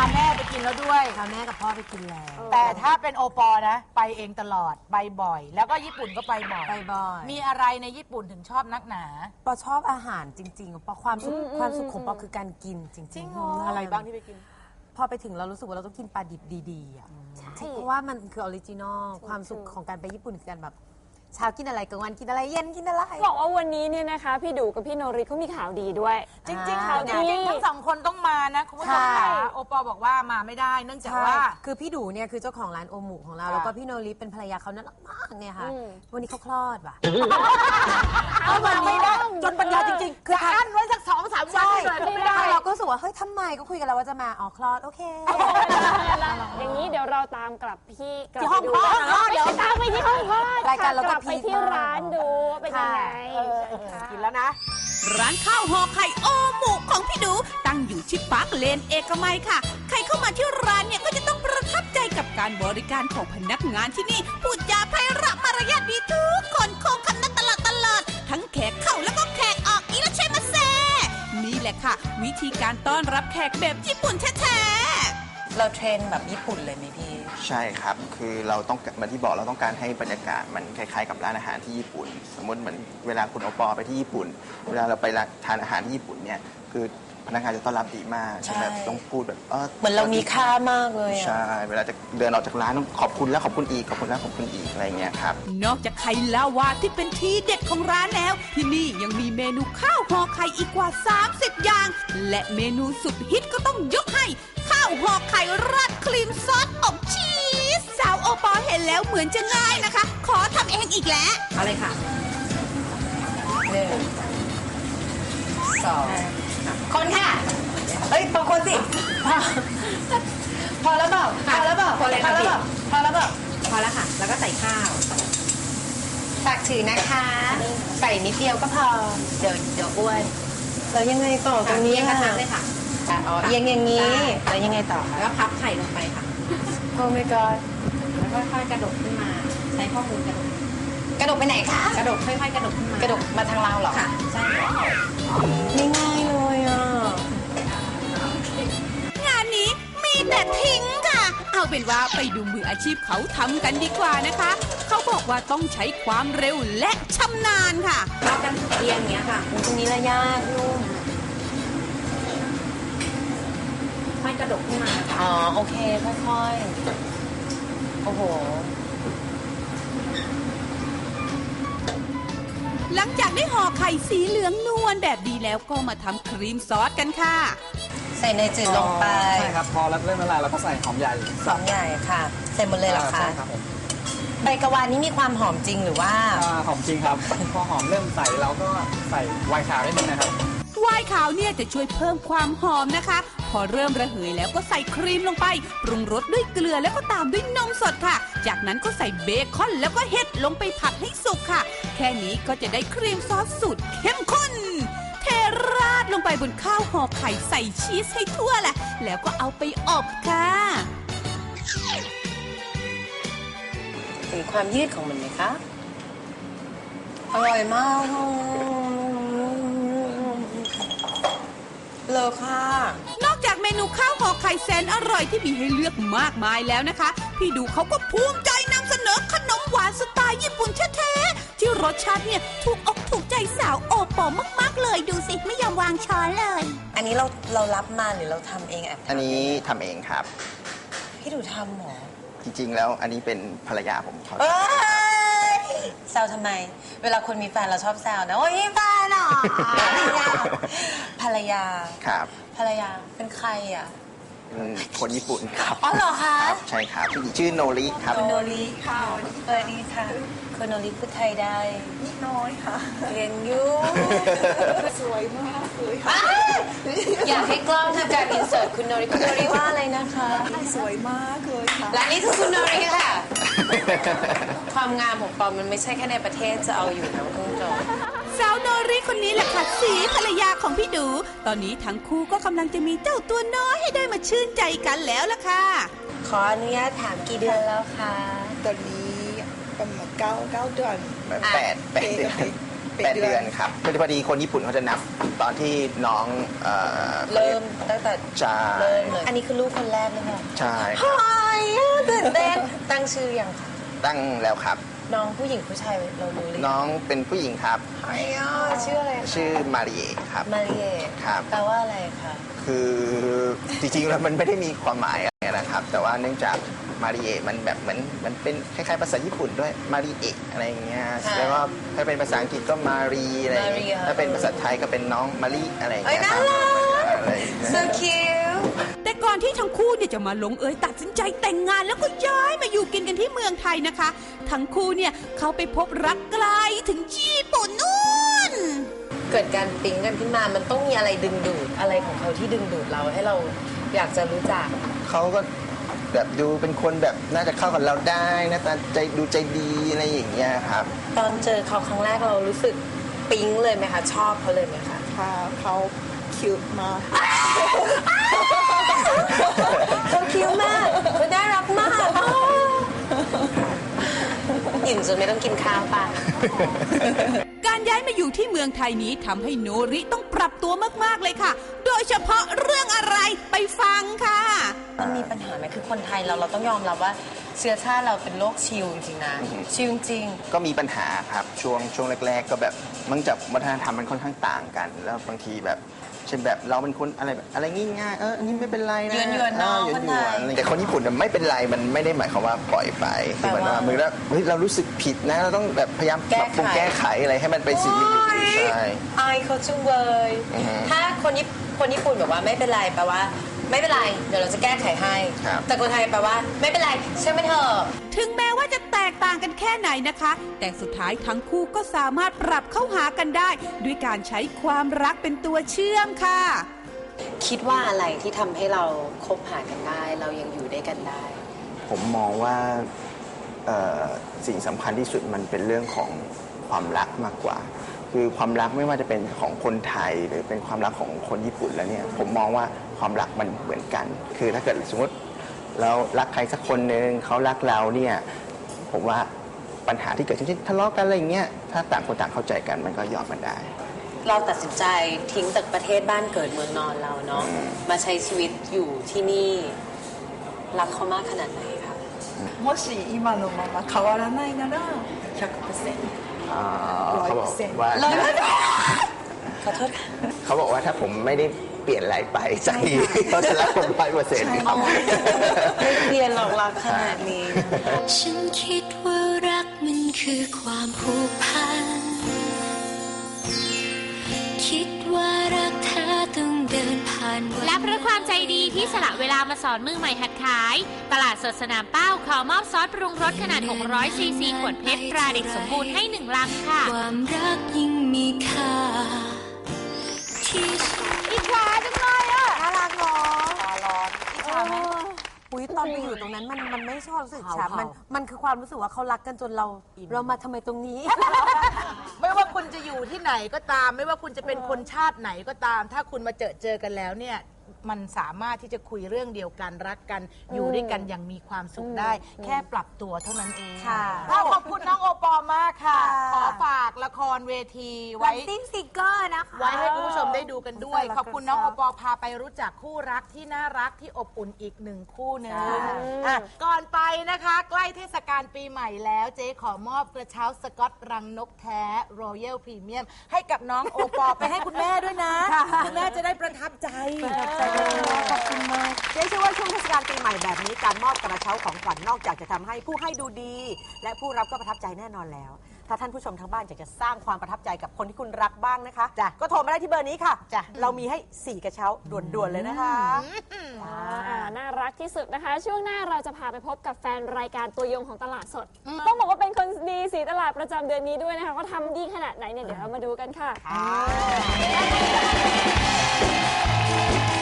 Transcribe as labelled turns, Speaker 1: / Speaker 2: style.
Speaker 1: แม่ไปกินแล้วด้วย
Speaker 2: พาแม่กับพ่อไปกินแล้ว
Speaker 1: แต่ถ้าเป็นโอปอนะไปเองตลอดไปบ่อยแล้วก็ญี่ปุ่นก็ไปบ่อยมีอะไรในญี่ปุ่นถึงชอบนักหนา
Speaker 2: ปอชอบอาหารจริงๆปอความสุขของปอคือการกินจริง
Speaker 1: ๆอะไรบ้างที่ไปกิน
Speaker 2: พอไปถึงเรารู้สึกว่าเราต้องกินปลาดิบดีๆอ่ะเพราะว่ามันคือออริจินอลความสุขของการไปญี่ปุ่นคือการแบบเช้ากินอะไรกลางวันกินอะไรเย็นกินอะไร
Speaker 3: บอกว่าวันนี้เนี่ยนะคะพี่ดูกับพี่โนริเขามีข่าวดีด้วย
Speaker 1: จริงๆข่าวดีทั้งสองคนต้องมานะคุณผู้ชมค่ะโอปอบอกว่ามาไม่ได้เนื่องจากว่า
Speaker 2: คือพี่ดูเนี่ยคือเจ้าของร้านโอมุของเราแล้วก็พี่โนริเป็นภรรยาเขาน่ารักมากเนี่ยค่ะวันนี้เขาคลอดว่ะ
Speaker 1: เอามาไม่ได้จนปัญญาจริงๆคืออั้นไว้สัก2-3 วันเลยไม่ได้
Speaker 2: เราก็รู้สึกว่าเฮ้ยทำไมก็คุยกันแล้วว่าจะมาคลอดโอเค
Speaker 3: อย่างนี้เดี๋ยวเราตามกลับที่
Speaker 1: ห้องคลอด
Speaker 3: เดี๋ยวตามไปที่ห้องคลอด
Speaker 2: รายการเราก็
Speaker 3: ไปที่ร้านดูเป็นยังไง
Speaker 1: กินแล้วนะ
Speaker 4: ร้านข้าวห่อไข่โอหมูของพี่ดูตั้งอยู่ที่ปาร์คเลนเอกมัยค่ะใครเข้ามาที่ร้านเนี่ยก็จะต้องประทับใจกับการบริการของพนักงานที่นี่พูดจาไพเราะมารยาทดีทุกคนโค้งคำนับตลอดทั้งแขกเข้าแล้วก็แขกออกอีละเชมาเซนี่แหละค่ะวิธีการต้อนรับแขกแบบญี่ปุ่นแท้ๆ
Speaker 2: เราเทรนแบบญี่ปุ่นเลยไหมพี่
Speaker 5: ใช่ครับคือเราต้องมาที่บอกเราต้องการให้บรรยากาศมันคล้ายๆกับร้านอาหารที่ญี่ปุ่นสมมติเหมือนเวลาคุณโอปอไปที่ญี่ปุ่นเวลาเราไปทานอาหารที่ญี่ปุ่นเนี่ยคือพนักงานจะต้อนรับดีมากใช่ไหมต้องพูดแบบ
Speaker 2: เหมือนเรามีค่ามากเลย
Speaker 5: ใช่เวลาจะเดินออกจากร้านต้องขอบคุณแล้วขอบคุณอีกขอบคุณแล้วขอบคุณอีกอะไรเงี้ยครับ
Speaker 4: นอกจากไข่ลาวาที่เป็นทีเด็ดของร้านแล้วที่นี่ยังมีเมนูข้าวห่อไข่อีกกว่า30อย่างและเมนูสุดฮิตก็ต้องยกให้ข้าวห่อไข่ราดครีมซอสอบชีสสาวโอปอเห็นแล้วเหมือนจะง่ายนะคะขอทำเองอีกแล้ว
Speaker 2: อะไรค่ะ1 2คนค่ะเอ้ยบางคนสิพอแล้วเปล่าพอแล้วเปล่าพอแล้วเปล่าพอแล้วเปล่าพอแล้วค่ะแล้วก็ใส่ข้าวฝากถือนะคะใส่นิดเดียวก็พอเดี๋ยวอ้วนแล้วยังไงต่อตรงนี้กระทะเลยค่ะอ๋อยังอย่างนี้แล้วยังไงต่อแล้วก็พับไข่ลงไปค่ะโอ้ my god แล้วก็ค่อยกระดกขึ้นมาใช้ข้อมือกระดกไปไหนคะกระดกค่อยๆกระดกขึ้นมากระดกมาทางเราเหรอค่ะใช่ไม่ง่ายเลยอ่ะ
Speaker 4: งานนี้มีแต่ทิ้งค่ะเอาเป็นว่าไปดูมืออาชีพเขาทำกันดีกว่านะคะเขาบอกว่าต้องใช้ความเร็วและชำนาญค่ะ
Speaker 2: เรากันเรียงอย่างเงี้ยค่ะตรงนี้ละยากนุ่มค่อยกระดกขึ้นมาอ๋อโอเคค่อยๆโอ้โห
Speaker 4: หลังจากได้ห่อไข่สีเหลืองนวลแบบดีแล้วก็มาทำครีมซอสกันค่ะ
Speaker 2: ใส่เนยจืดลงไป
Speaker 6: ใช่ครับพอแล้วเริ่มละลายเราก็ใส่หอมใหญ่
Speaker 2: ใหญ่ค่ะใส่หมดเลยเหรอคะ
Speaker 6: ใช่ครับผม
Speaker 2: ใบกะวานนี้มีความหอมจริงหรือว่า
Speaker 6: หอมจริงครับพอหอมเริ่มใส่เราก็ใส่ไวน์ขาวนิดนึงนะครับ
Speaker 4: ไวน์ขาวเนี่ยจะช่วยเพิ่มความหอมนะคะพอเริ่มระเหยแล้วก็ใส่ครีมลงไปปรุงรสด้วยเกลือแล้วก็ตามด้วยนมสดค่ะจากนั้นก็ใส่เบคอนแล้วก็เห็ดลงไปผัดให้สุกค่ะแค่นี้ก็จะได้ครีมซอสสูตรเข้มข้นเทราดลงไปบนข้าวห่อไข่ใส่ชีสให้ทั่วแหละแล้วก็เอาไปอบค่ะ
Speaker 2: เห็นความยืดของมันไหมคะอร่อยมากเลยค่ะ
Speaker 4: นอกจากเมนูข้าวห่อไข่แสนอร่อยที่มีให้เลือกมากมายแล้วนะคะพี่ดูเขาก็ภูมิใจนำเสนอขนมหวานสไตล์ญี่ปุ่นแท้ๆที่รสชาติเนี่ยถูกอกถูกใจสาวโอปอมากๆเลยดูสิไม่ยอมวางช้อนเลย
Speaker 2: อันนี้เรารับมาหรือเราทำเอง
Speaker 5: อันนี้ทำเองครับ
Speaker 2: พี่ดูทำหรอ
Speaker 5: จริงๆแล้วอันนี้เป็นภรรยาผมเขา
Speaker 2: แซวทำไมเวลาคนมีแฟนเราชอบแซวนะโอ้ยมีแฟนเหรอภรรยา
Speaker 5: ครับ
Speaker 2: ภรรยาเป็นใครอ่ะ
Speaker 5: คนญี่ปุ่นครับ
Speaker 2: อ๋อเหรอคะ
Speaker 5: ใช่ครับชื่อโนริครับ
Speaker 2: คุณโนริค่ะดีค่ะคุณโนริพูดไทยได้
Speaker 7: นิดน้อยค่ะ
Speaker 2: เรียนอยู่
Speaker 7: สวยมากเลยค่ะ
Speaker 2: อยากให้กล้องทำการอินเสิร์ตคุณโนริว่าอะไรนะคะ
Speaker 7: สวยมากเลยค่ะ
Speaker 2: และนี่คือคุณโนริค่ะความงามของปอมมันไม่ใช่แค่ในประเทศจะเอาอยู่นะคุณผู้ชม
Speaker 4: สาวโนริคนนี้แหละค่ะสีภรรยาของพี่ดูตอนนี้ทั้งคู่ก็กำลังจะมีเจ้าตัวน้อยให้ได้มาชื่นใจกันแล้วล่ะค่ะ
Speaker 2: ขออนุญาตถามกี่เดือนแล้วคะ
Speaker 7: ตอนนี้ประมาณ9 เดือน
Speaker 5: 8 เดือนครับพอดีคนญี่ปุ่นเขาจะนับตอนที่น้อง
Speaker 2: เริ่มตั้งแต่
Speaker 5: ใช่
Speaker 2: เริ่มเลยอันนี้คือลูกคนแรกเลยค่ะ
Speaker 5: ใช่
Speaker 2: เฮ้ยตื่นเต้นตั้งชื่อยังคะ
Speaker 5: ตั้งแล้วครับ
Speaker 2: น้องผู้หญิงผู้ชายเรารู้เลย
Speaker 5: น้องเป็นผู้หญิงครับ
Speaker 2: ชื่ออะไรคะ
Speaker 5: ชื่อมาริเอะครับ
Speaker 2: มาริเอ
Speaker 5: ครับ
Speaker 2: แปลว่าอะไรคะ
Speaker 5: คือจริงๆแล้วมันไม่ได้มีความหมายอะไรนะครับ แต่ว่าเนื่องจากมาริเอะมันแบบเหมือนมันเป็นคล้ายๆภาษาญี่ปุ่นด้วยมาริเอะอะไรอย่างเงี้ยแล้วก็ถ้าเป็นภาษาอังกฤษก็มารีอะไรอย่างเงี้ยถ้าเป็นภาษาไทยก็เป็นน้องมาริอะไรอย่างเงี้ยครับอะไรอย่างเงี้ย
Speaker 2: so cute
Speaker 4: แต่ก่อนที่ทั้งคู่เนี่ยจะมาลงเอยตัดสินใจแต่งงานแล้วก็ย้ายมาอยู่กินกันที่เมืองไทยนะคะ ทั้งคู่เนี่ยเขาไปพบรักไกลถึงญี่ปุ่นนู่น
Speaker 2: เกิดการปิ๊งกันขึ้นมามันต้องมีอะไรดึงดูดอะไรของเขาที่ดึงดูดเราให้เราอยากจะรู้จัก
Speaker 5: เขาก็แบบดูเป็นคนแบบน่าจะเข้ากับเราได้หน้าตาใจดูใจดีอะไรอย่างเงี้ยครับ
Speaker 2: ตอนเจอเขาครั้งแรกเรารู้สึกปิ๊งเลยไหมคะชอบเขาเลยไหมคะ
Speaker 7: ค่ะเขาคิวมาก
Speaker 2: เขาคิ้วมากเขาน่ารักมากอิ่มจนไม่ต้องกินข้าวป่ะ
Speaker 4: การย้ายมาอยู่ที่เมืองไทยนี้ทำให้โนริต้องปรับตัวมากๆเลยค่ะ โดยเฉพาะเรื่องอะไรไปฟังค่ะ
Speaker 2: มันมีปัญหาไหมคือคนไทยเราต้องยอมรับว่าเชื้อชาติเราเป็นโรคชิลจริงๆนะชิลจริง
Speaker 5: ก็มีปัญหาครับช่วงแรกๆก็แบบมันจากวัฒนธรรมมันค่อนข้างต่างกัน แล้วบางทีแบบเช่นแบบเราเป็นคนอะไรง่ายๆอันนี้ไม่เป็นไรนะ
Speaker 2: หยวนๆเนอะ
Speaker 5: หย
Speaker 2: คนไทย
Speaker 5: ๆแต่คนญี่ปุ่นไม่เป็นไรมันไม่ได้หมายความว่าปล่อยไปคือเหมือนว่ามือแล้วเฮ้ยเรารู้สึกผิดนะเราต้องแบบพยายามปรับปรุงแก้ไขอะไรให้มันไปสิ่งที่ดีใช่
Speaker 2: อายเขาจุงเลย
Speaker 5: อือฮึ
Speaker 2: ถ้าคนญี่ปุ่นบอกว่าไม่เป็นไรแปลว่าไม่เป็นไรเดี๋ยวเราจะแก้ไขให้
Speaker 5: ครับ
Speaker 2: แต่คนไทยแปลว่าไม่เป็นไรเชื่อมันเถอะ
Speaker 4: ถึงแม้ว่าจะแตกต่างกันแค่ไหนนะคะ แต่สุดท้ายทั้งคู่ก็สามารถปรับเข้าหากันได้ ด้วยการใช้ความรักเป็นตัวเชื่อมค่ะ
Speaker 2: คิดว่าอะไรที่ทำให้เราคบหากันได้ เรายังอยู่ด้วยกันได้
Speaker 5: ผมมองว่าสิ่งสำคัญที่สุดมันเป็นเรื่องของความรักมากกว่า คือความรักไม่ว่าจะเป็นของคนไทยหรือเป็นความรักของคนญี่ปุ่นแล้วเนี่ยผมมองว่าความรักมันเหมือนกัน คือถ้าเกิดสมมติเรารักใครสักคนหนึ่งเขารักเราเนี่ยผมว่าปัญหาที่เกิดเช่นทะเลาะกันอะไรอย่างเงี้ยถ้าต่างคนต่างเข้าใจกันมันก็ยอมกันได้
Speaker 2: เราตัดสินใจทิ้งจากประเทศบ้านเกิดเมืองนอนเราเนาะมาใช้ชีวิตอยู่ที่นี่รักเขามากขนาดไหนคะ
Speaker 7: もし今のまま変わらないなら100%
Speaker 5: เขาบอกว่า
Speaker 2: ขอโทษค่ะ
Speaker 5: เขาบอกว่าถ้าผมไม่ได้เปลี่ยนอะไรไปใจเขาจะรักผม100%ครับ
Speaker 2: ไม่เปลี่ยนหรอกรักขนาดนี้
Speaker 8: ฉันคิดว่ารักมันคือความผูกพัน คิดว่ารักแท้ต้องเดินผ่านวัน
Speaker 9: และเพราะความใจดีที่สละเวลามาสอนมือใหม่หัดขาย ตลาดสดสนามเป้าขอมอบซอสปรุงรสขนาด 600 ซีซี ขวดเพชรตราเด็กสมบูรณ์ให้1 ลังค่ะ
Speaker 8: ความรักยิ่งมีค่าที่
Speaker 3: อิจฉาจังเลยอ่ะ
Speaker 2: น่ารักเนาะ
Speaker 10: อุ๊ยตอนไปอยู่ตรงนั้นมันไม่ชอบรู้สึกฉามันคือความรู้สึกว่าเขารักกันจนเรามาทำไมตรงนี้
Speaker 1: ไม่ว่าคุณจะอยู่ที่ไหนก็ตาม ไม่ว่าคุณจะเป็นคนชาติไหนก็ตาม ถ้าคุณมาเจอกันแล้วเนี่ยมันสามารถที่จะคุยเรื่องเดียวกันรักกันอยู่ด้วยกันอย่างมีความสุขได้ แค่ปรับตัวเท่านั้นเอง
Speaker 10: ค่ะ
Speaker 1: ขอบคุณน้องโอปอล์มากค่ะ ขอฝากละครเวทีไว้
Speaker 10: ติ้งซิกเกอร์นะคะ
Speaker 1: ไว้ให้คุณผู้ชมได้ดูกันด้วย
Speaker 10: ใช่แล้ว
Speaker 1: ขอบคุณน้องโอปอล์พาไปรู้จักคู่รักที่น่ารักที่อบอุ่นอีก1 คู่หนึงอ่ะก่อนไปนะคะ ใกล้เทศกาลปีใหม่แล้วเจ๊ขอมอบกระเช้าสกอตรังนกแท้ Royal Premium ให้กับน้องโอปอล์ไปให้คุณแม่ด้วยนะ คุณแม่จะได้ประทับใจ
Speaker 10: ขอบคุณมากเจ๊เชื่อว่าช่วงเทศกาลปีใหม่แบบนี้การมอบกระเช้าของขวัญนอกจากจะทำให้ผู้ให้ดูดี และผู้รับก็ประทับใจแน่นอนแล้ว ถ้าท่านผู้ชมทางบ้านอยากจะสร้างความประทับใจกับคนที่คุณรักบ้างนะคะก็โทรมาได้ที่เบอร์นี้ค่ะเรามีให้4กระเช้าด่วนๆเลยนะคะ
Speaker 3: น่ารักที่สุดนะคะ ช่วงหน้าเราจะพาไปพบกับแฟนรายการตัวยงของตลาดสด ต้องบอกว่าเป็นคนดีสีตลาดประจำเดือนนี้ด้วยนะคะเขาทำดีขนาดไหนเนี่ยเดี๋ยวเรามาดูกันค่ะ